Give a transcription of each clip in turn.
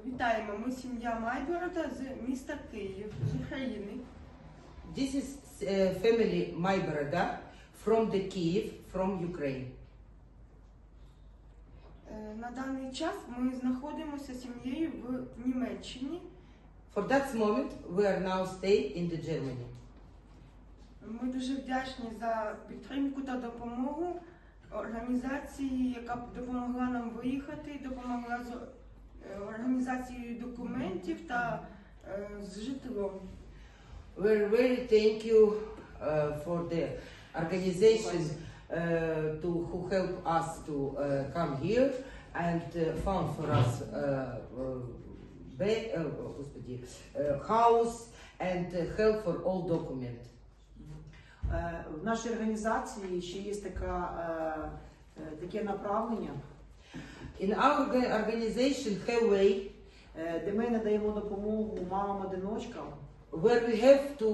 Вітаємо, ми сім'я Майборода з міста Київ, з України. This is family Mayboroda from the Kyiv, from Ukraine. На даний час ми знаходимося сім'єю в Німеччині. For that moment, we are now staying in the Germany. Ми дуже вдячні за підтримку та допомогу організації, яка допомогла нам виїхати, допомогла з організацією документів та з житлом. We're very thank you for the organization who help us to come here and found for us house and help for all documents. В нашій організації ще є таке направлення. In our organization have way де ми надаємо допомогу мамам-одиночкам, where we have to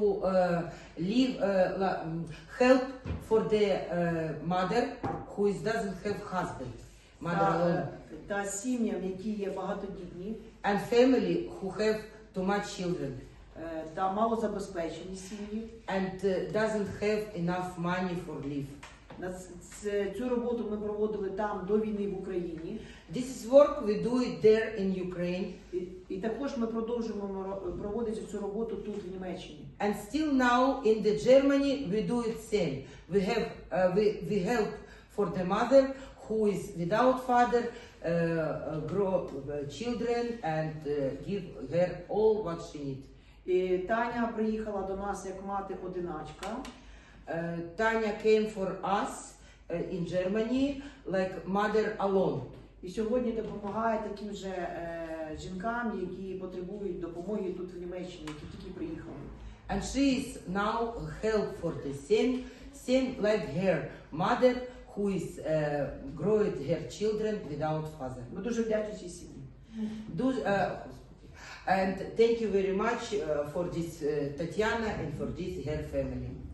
help for the mother who doesn't have husband, mother alone, та сім'ям, які є багатодітні, and family who have too much children та малозабезпечені сім'ї. and doesn't have enough money for live. Цю роботу ми проводили там до війни в Україні. This is work we do it there in Ukraine. І також ми продовжуємо проводити цю роботу тут в Німеччині. And still now in the Germany we do it same. We have we help for the mother who is without father, grow children and give her all what she needs. І Таня приїхала до нас як мати-одиначка. Tanya came for us in Germany like mother alone. І сьогодні допомагає таким же жінкам, які потребують допомоги тут в Німеччині, які тільки приїхали. And she is now help for the same like her mother who is growing her children without father. Ми дуже вдячні цій сім'ї. And thank you very much for this Tatiana and for this her family.